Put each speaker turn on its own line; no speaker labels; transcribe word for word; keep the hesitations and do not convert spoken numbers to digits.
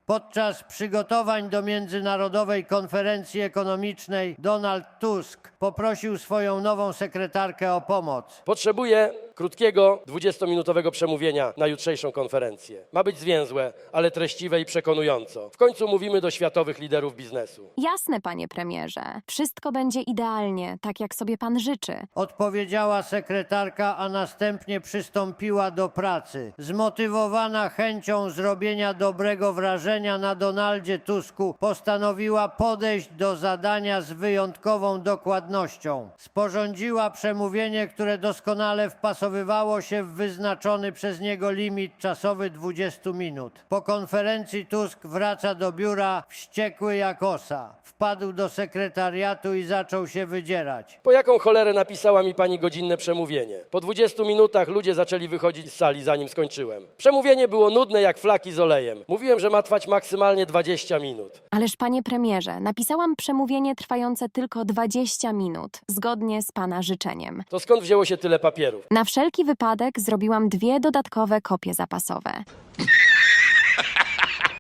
Podczas przygotowań do Międzynarodowej Konferencji Ekonomicznej Donald Tusk poprosił swoją nową sekretarkę o pomoc.
Potrzebuję krótkiego, dwudziestominutowego przemówienia na jutrzejszą konferencję. Ma być zwięzłe, ale treściwe i przekonująco. W końcu mówimy do światowych liderów biznesu.
Jasne, panie premierze. Wszystko będzie idealnie, tak jak sobie pan życzy.
Odpowiedziała sekretarka, a następnie przystąpiła do pracy. Zmotywowana chęcią zrobienia dobrego wrażenia na Donaldzie Tusku, postanowiła podejść do zadania z wyjątkową dokładnością. Sporządziła przemówienie, które doskonale wpasowywało się w wyznaczony przez niego limit czasowy dwudziestu minut. Po konferencji Tusk wraca do biura wściekły jak osa. Wpadł do sekretariatu i zaczął się wydzierać.
Po jaką cholerę napisała mi pani godzinne przemówienie? Po dwudziestu minutach ludzie zaczęli wychodzić z sali, zanim skończyłem. Przemówienie było nudne jak flaki z olejem. Mówiłem, że ma trwać maksymalnie dwadzieścia minut.
Ależ panie premierze, napisałam przemówienie trwające tylko dwadzieścia minut, zgodnie z pana życzeniem.
To skąd wzięło się tyle papierów?
Na wszelki wypadek zrobiłam dwie dodatkowe kopie zapasowe.